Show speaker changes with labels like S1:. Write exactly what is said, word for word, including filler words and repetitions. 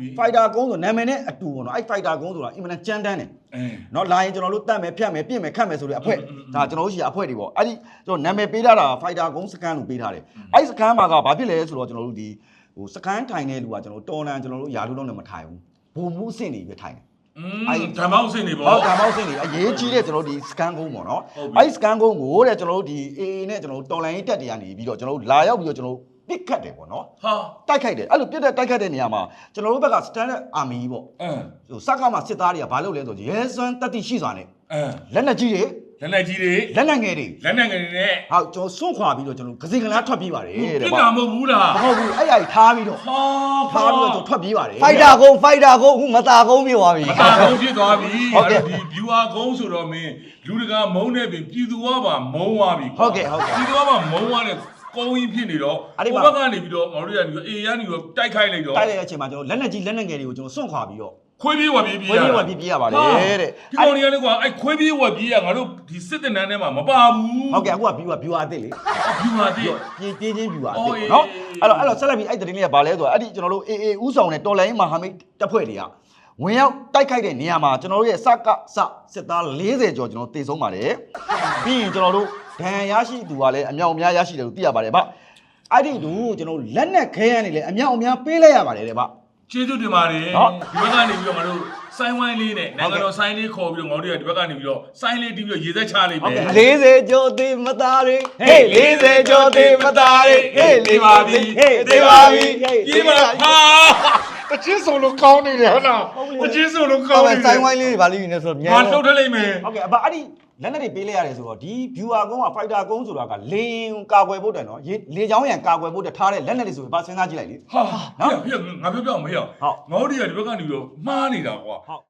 S1: fighter ကုန်းဆိုနာမည်နဲ့အတူပေါ့နော်အဲ့ fighter ကုန်းဆိုတာအင်မတန်ကြမ်းတမ်းတယ်နော်လာရင်ကျွန်တော်တို့တတ်မယ်ဖြတ်မယ်ပြင့်မယ်ခတ်မယ်ဆိုတဲ့အဖွဲဒါကျွန်တော်တို့ရှိအဖွဲတွေပေါ့အဲ့ဒီကျွန်တော်နာမည်ပေးထားတာ fighter ကုန်းစကန်လို့ပေးထားတယ်အဲ့စကန်မှာကဘာဖြစ်လဲဆိုတော့ကျွန်တော်တို့ဒီဟိုစကန်ထိုင်တဲ့လူကကျွန်တော်တော်လန်ကျွန်တော်တို့ယာလူလုံးနဲ့မထိုင်ဘူးဘုံမှုအဆင့်တွေပဲထိုင်တယ်
S2: အဲ့ဓမ္မောက်စင်နေပေါ့
S1: ဟုတ်ဓမ္မောက်စင်နေအရေးကြီးတဲ့ကျွန်တော်တို့ဒီစကန်ကုန်းပေါ့နော်အဲ့စကန်ကုန်းကိုတဲ့ကျွန်တော်တို့ဒီ A A နဲ့ကျွန်တော်တို့တော်လန်ရေးတက်တွေကနေပြီးတော့ကျွန်တော်တို့လာရောက်ပြီးတော့ကျွန်တော်တို့ပစ်ခတ်တယ်ပေါ့နော်
S2: ဟာ
S1: တိုက်ခိုက်တယ်အဲ့လိုပြစ်တဲ့တိုက်ခိုက်တဲ့နေရာမှာကျွန်တော်တို့ဘက်က standard army ပေါ့
S2: အင်း
S1: ဟိုစကားမှာစစ်သားတွေကဘာလုပ်လဲဆိုရဲစွမ်းတက်တိရှိစွာနဲ့
S2: အင်း
S1: လက်နက်ကြီးတွေ
S2: လက်နက်ကြီးတွေ
S1: လက်နက်ငယ်တွေ
S2: လက်နက်ငယ်တွေနဲ့
S1: ဟုတ်ကျွန်တော်စွန့်ခွာပြီးတော့ကျွန်တော်ဂစိကလားထွက်ပြေးပါတယ်တဲ့
S2: ပြစ်တာမဟုတ်ဘူးလား
S1: မဟုတ်ဘူးအဲ့အရာထားပြီးတော့
S2: ဟာ
S1: ထားပြီးတော့ကျွန်တော်ထွက်ပြေးပါတယ်
S3: fighter ကုန်း fighter ကုန်းအခုမတာကုန်းပြေသွားပြီ
S2: မတာကုန်းဖြစ်သွားပြီအဲ့ဒီ viewer ကုန်းဆိုတော့မင်းလူတကာမုန်းနေပြီပြည်သူကပါမုန်းသွားပြီ
S1: ဟုတ်ကဲ့ဟုတ်ကဲ့
S2: ပြည်သူကပါမုန်းသွားတဲ့ကုန်းကြီးဖြစ်နေတော့ဟိုဘက်ကနေပြီးတော့ငါတို့ကနေပြီးအေးရနေပြီးတော့တိုက်ခိုက်လိုက်တော့
S1: တိုက်လိုက်တဲ့အချိန်မှာကျွန်တော်လက်နက်ကြီးလက်နက်ငယ်တွေကိုကျွန်တော်စွန့်ခွာပြီးတော့
S2: ခွေးပြေးဝက်ပြေးပြေး
S1: ခွေးပြေးဝက်ပြေးပြေးရပါတယ်တဲ့
S2: ဒီကောင်တွေကလည်းကွာအဲ့ခွေးပြေးဝက်ပြေးရငါတို့ဒီစစ်တပ်နန်းထဲမှာမပါဘူး
S1: ဟုတ်ကဲ့အခုက viewer viewer အစ်စ်လေ
S2: viewer အစ်စ်
S1: ပြေးပြေးချင်း viewer အစ်စ်နော်အဲ့တော့အဲ့တော့ဆက်လက်ပြီးအဲ့သတင်းလေးကဘာလဲဆိုတော့အဲ့ဒီကျွန်တော်တို့ A A ဥဆောင်တဲ့တော်လိုင်းမဟာမိတ်တပ်ဖွဲ့တွေကဝင်ရောက်တိုက်ခိုက်တဲ့နေရာမှာကျွန်တော်တို့ရဲ့စကစစစ်သား၄၀ကျော်ကျွန်တော်တေဆုံးပါတယ်ပြီးရင်ကျွန်တော်တို့ဒဏ်ရာရရှိသူကလည်းအမြောက်အများရရှိတယ်လို့သိရပါတယ်ဗျအဲ့ဒီတူကျွန်တော်တို့လက်နက်ခဲရန်နေလေအမြောက်အများပေးလိုက်ရပါတယ်တဲ့ဗျ
S2: ကျေးဇူးတင်ပါတယ်ဒီဘက်ကနေပြီးတော့ငါတို့ဆိုင်းဝိုင်းလေးနဲ့နိုင်ငံတော်ဆိုင်းလေးခေါ်ပြီးတော့ငါတို့ဒီဘက်ကနေပြီးတော့ဆိုင်းလေးတီးပြီးတော့ရေသက်ချလိုက်မယ်
S3: ၄၀ကျော်သေးမသားတွေဟေး၄၀ကျော်သေးမသားတွေဟေး
S2: လေးပါပြီ
S3: ဟေးသေးပါပြီ
S2: ပြေးမလားဟာတချစ်ဆိုလို့ကောင်းနေတယ်ဟုတ်လားတချစ်ဆိုလို့ကောင်းနေတယ်
S3: ဆိုင်းဝိုင်းလေးတွေဗာလိယူနေဆိုတော့
S2: မြန်လှုပ်ထလိုက်မယ်
S1: ဟုတ်ကဲ့အဘအဲ့ဒီလက်နက်တွေပေးလိုက်ရတယ်ဆိုတော့ဒီ viewer ကုန်းက fighter ကုန်းဆိုတာကလေကာကွယ်ဖို့တယ်နော်လေချောင်းရံကာကွယ်ဖို့တယ်ထားတဲ့လက်နက်တွေဆိုရင်ဘာစဉ်းစားကြည့်လိုက်လေ
S2: ဟာနော်ငါပြောပြမရငါတို့ဒီဘက်ကနေပြီးတော့မှားနေတာကွာ